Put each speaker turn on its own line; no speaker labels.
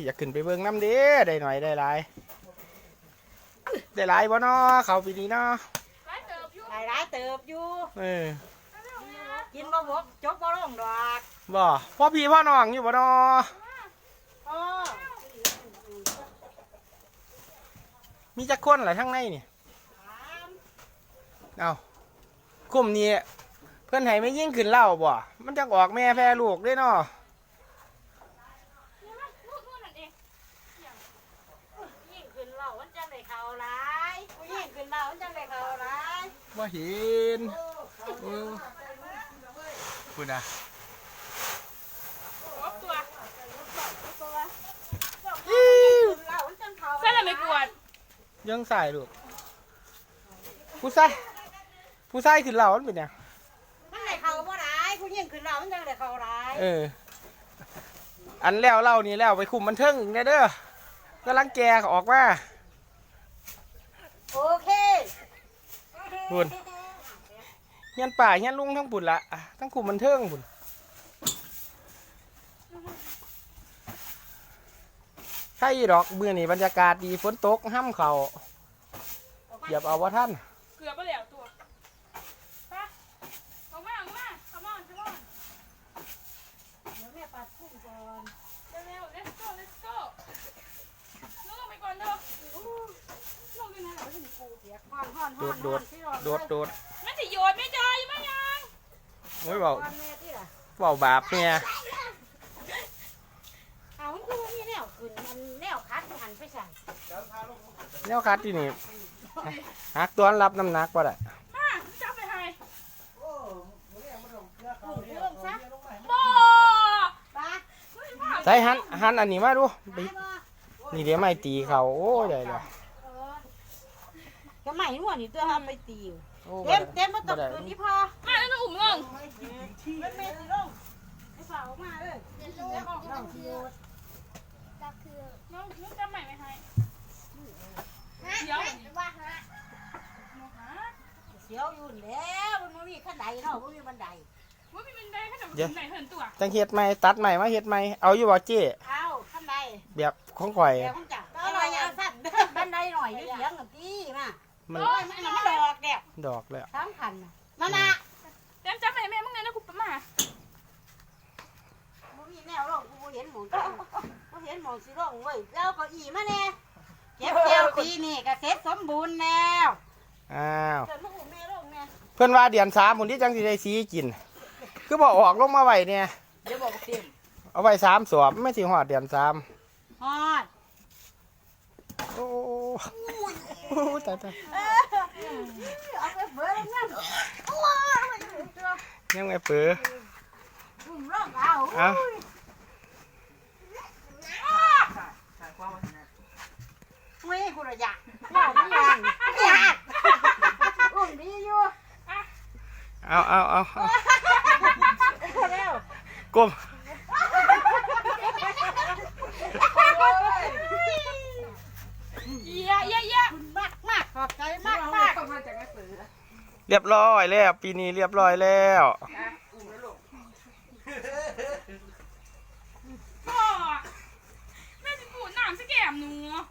อยากขึ้นไปเบิ่งน้ำเด้ได้หน่อยได้หลายบ่เนาะเขาปีนี้เนาะ
หลายเติบอยู่กินบ่บกจกบ่ลงดอก
บ่พ่อพี่พ่อน้องอยู่บ่เนาะมีจักคนหลายทั้งในนี่เอากลุ่มนี้เพื่อนให้ไม่ยิ่งขึ้นเล่าบ่มันจะออกแม่แพร่ลูกด้วยเนาะ
ยิ่งขึ้นเล่ามันจังได้ข่าวร้ายยิ่งขึ้นเล่ามันจังได้ข่าวร้าย
บ่เห็นคุณอะ
ใช่เลยไม่กวด
ยังใส่ลูกผู้ชายขึ้นเล่ามันเป็นยัง
มันได้ข่าวบ่ร้ายผู้ยิ่งขึ้นเล่ามันจังได้ข่าวร้าย
อันแล้วเล่านี่แล้วไปคุมมันเทิงไงเด้อกำลังแกออกมา
โอเค
บุญเฮียนป่าเฮียนลุงทั้งบุญละทั้งคุมมันเทิงบุญใช่ดอกเบื่อนี่บรรยากาศดีฝนตกห้ำเขาเหยียบเอาว่าท่าน
เกือบไปแล้วตัวไปเอามาขมอนเดี๋ยวแม่ปัดพุ่งก่อนเร็ว let's go ลงไปก่อนเด้อลงยังไงเราไม่ถึงกูเสียก่อน
โดด
ไม่สิโยนไม่จอยไม่ยัง
โอ้ยบอกบาปเนี่ย
เอามันคือมีแนวขึ้นมันแนวคัดหันไปใส่
แนวคัดที่นี่หักตัวรับน้ำหนักป่ะได้
จับไปให้
ใส่หันอันนี้มาดูนี่เดี๋ยวไม่ตีเขาโอ้ยได้เลย
ก็ไม่หัวนี่ตัวทำไปตีเต็มมาตกคืนที่พอมาแล้วอุ่มลงมันเมตีลงไอ้สาวมาเลยน้องคือน้องจำใหม่ไหมให้เดี๋ยวเสียวอยู่แล้วมันมีขั้นใดเนาะมันมีบันไดมันมีบันไดขั้นใดเหินตัว
จังเฮ็ดใหม่ตัดใหม่มาเฮ็ดใหม่เอาอยู่บ่เจ๊
เอาขั้นใด
แบบของข่อย
แบบของจักก็ลอยเอาสั้นบันไดหน่อยเลี้ยงกับพี่มามันดอกเดียว
ดอกแล้ว
สำคัญมานะเต็มจำใหม่แม่มึงไงนะกูมามึงมีแนวร่องกูเห็นหมองกูเห็นหมองสีร่องเว้ยแล้วก็อีมาแน่เก็บเกี่ยวปีนี่ก็เสร็จสมบูรณ์แล้ว
อ้าวเพื่อนว่าเดือน3คนที่จังสิได้สีกินคือบอกออกลงมาไว้เนี่ย
เดี๋ยวบอกเต็ม
เอาไว้3 สวบไม่สิหอดเดือน3
ฮอด
โอ้ตาย
เอาไปเบื่อแล้ว
ยังไม่เปื้อ
เอาไม่กูระยะว่าไม่ยังอุ้มดีอยู่
เอากลม
เยอะมากขอบใจมาก
เรียบร้อยแล้วปีนี้เรียบร้อยแล้ว
แม่จะปูดน้ำสแกมหนู